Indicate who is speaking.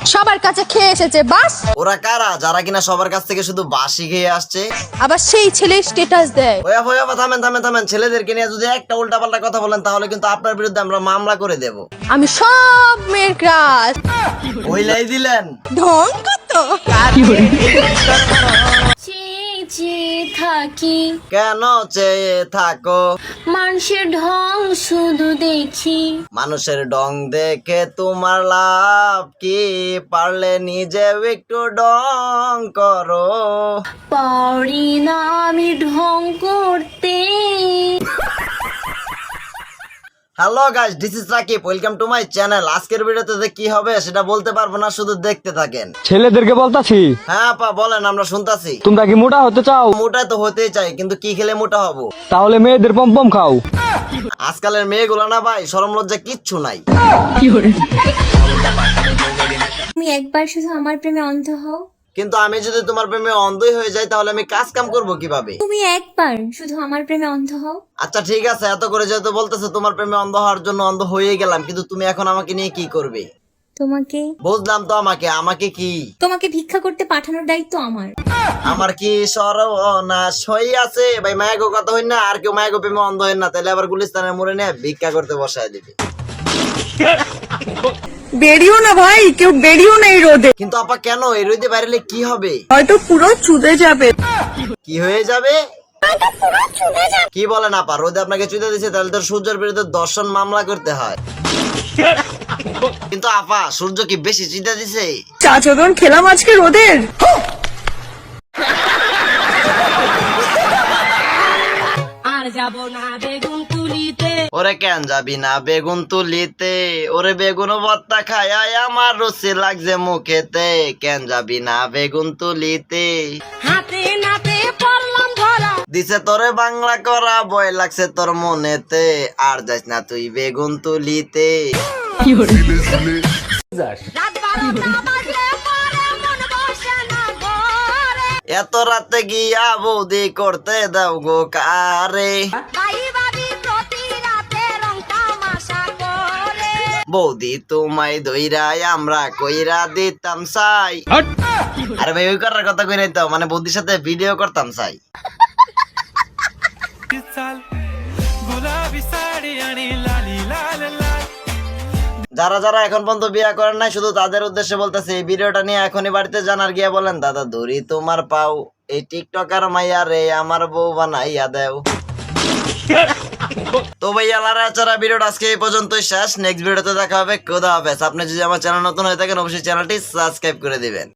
Speaker 1: সবার কাছে খেয়ে এসেছে বাস।
Speaker 2: ওরা কারা যারা কিনা সবার কাছ থেকে শুধু বাসি খেয়ে আসছে?
Speaker 1: আবার সেই ছেলে স্ট্যাটাস দেয়।
Speaker 2: ওয়া ওয়া থামেন থামেন থামেন, ছেলেদেরকে নিয়ে যদি একটা উল্টাপাল্টা কথা বলেন তাহলে কিন্তু আপনার বিরুদ্ধে আমরা মামলা করে দেব।
Speaker 1: আমি সব মেয়ের ক্রাশ।
Speaker 2: ওইলাই দিলেন
Speaker 1: ঢং কত
Speaker 3: থাকি
Speaker 2: কেন চেয়ে থাকো?
Speaker 3: মানুষের ঢং শুধু দেখি,
Speaker 2: মানুষের ডং দেখে তোমার লাভ কি? পারলে নিজে একটু ডং করো।
Speaker 3: পারি না আমি ঢং করতে।
Speaker 2: Hello guys, this is Rakib, welcome to my channel. আজকের ভিডিওতে যে কি হবে সেটা বলতে পারবো না, শুধু দেখতে থাকেন।
Speaker 4: ছেলেদেরকে বলতাছি,
Speaker 2: হ্যাঁ আপা বলেন, আমরা শুনতাছি।
Speaker 4: তোমরা কি মোটা হতে চাও?
Speaker 2: মোটা তো হতেই চাই, কিন্তু কি খেলে মোটা হবো?
Speaker 4: তাহলে মেয়েদের পম্পম খাও।
Speaker 2: আজকালের মেয়েগুলো না ভাই, শরম লজ্জা কিচ্ছু নাই।
Speaker 3: তুমি একবার শুধু আমার প্রেমে অন্ধ হও।
Speaker 2: কিন্তু আমি যদি তোমার প্রেমে অন্ধই হয়ে যাই তাহলে আমি কাজ কাম করবো কিভাবে?
Speaker 3: তুমি একবার শুধু আমার প্রেমে অন্ধ হও।
Speaker 2: আচ্ছা ঠিক আছে, এত করে যেহেতু বলতেছে তোমার প্রেমে অন্ধ হওয়ার জন্য অন্ধ হয়ে গেলাম, কিন্তু তুমি এখন আমাকে নিয়ে কি করবে?
Speaker 3: তোমাকে
Speaker 2: বুঝলাম তো, আমাকে কি?
Speaker 3: তোমাকে ভিক্ষা করতে পাঠানোর দায়িত্ব আমার।
Speaker 2: আমার কি সর্বনাশ হই আছে ভাই? মায়াগো কথা হই না, আর কেউ মায়াগো প্রেমে অন্ধ হয় না, তাহলে আবার গুলিস্তানের মোড়ে নিয়ে ভিক্ষা করতে বসায় দিবে।
Speaker 5: বেরিও না ভাই, কেউ বেরিও না এই রোদে,
Speaker 2: কিন্তু আপা কেন? এই রোদে বাইরেলে কি হবে?
Speaker 5: হয়তো পুরো চুদে যাবে।
Speaker 2: কি হয়ে যাবে? কি বলেন আপা? রোদে আপনাকে চুদে দিছে, তাহলে তো সূর্যের বিরুদ্ধে দর্শন মামলা করতে হয়। কিন্তু আপা, সূর্য কি বেশি চিন্তা দিছে?
Speaker 5: চা চোদন খেলাম আজকে রোদের।
Speaker 2: ওরে কেন যাবি না বেগুন তুলিতে? ওরে বেগুন ভর্তা খায় আমার রুচি লাগছে মুখেতে। কেন যাবি না বেগুন তুলিতে?
Speaker 3: হাতে নাতে পড়লাম ধরা।
Speaker 2: দিছে তোরে বাংলা করা, বয় লাগছে তোর মনেতে। আর যাস না তুই বেগুন তুলিতে। এত রাতে গিয়া বৌদি করতে দাও গো কারে? বৌদি তোমায় দইরাই আমরা কইরা দিতাম চাই। আরে ভাই, ওই করার কথা কই নাই তো, মানে বৌদির সাথে ভিডিও করতাম চাই। যারা যারা এখন পর্যন্ত বিয়ে করেন নাই, শুধু তাদের উদ্দেশ্যে বলতেছে, এই ভিডিওটা নিয়ে এখনই বাড়িতে জানার গিয়া বলেন, দাদা ধরি তোমার পাও, এই টিকটকার মাইয়া রে আমার বউ বানাইয়া দেও। তো ভাইয়া লারা ভিডিওটা আজকে এই পর্যন্তই শেষ। নেক্সট ভিডিওতে দেখা হবে। খোদা হাফেজ। আপনি যদি আমার চ্যানেল নতুন হয়ে থাকেন অবশ্যই চ্যানেলটি সাবস্ক্রাইব করে দিবেন।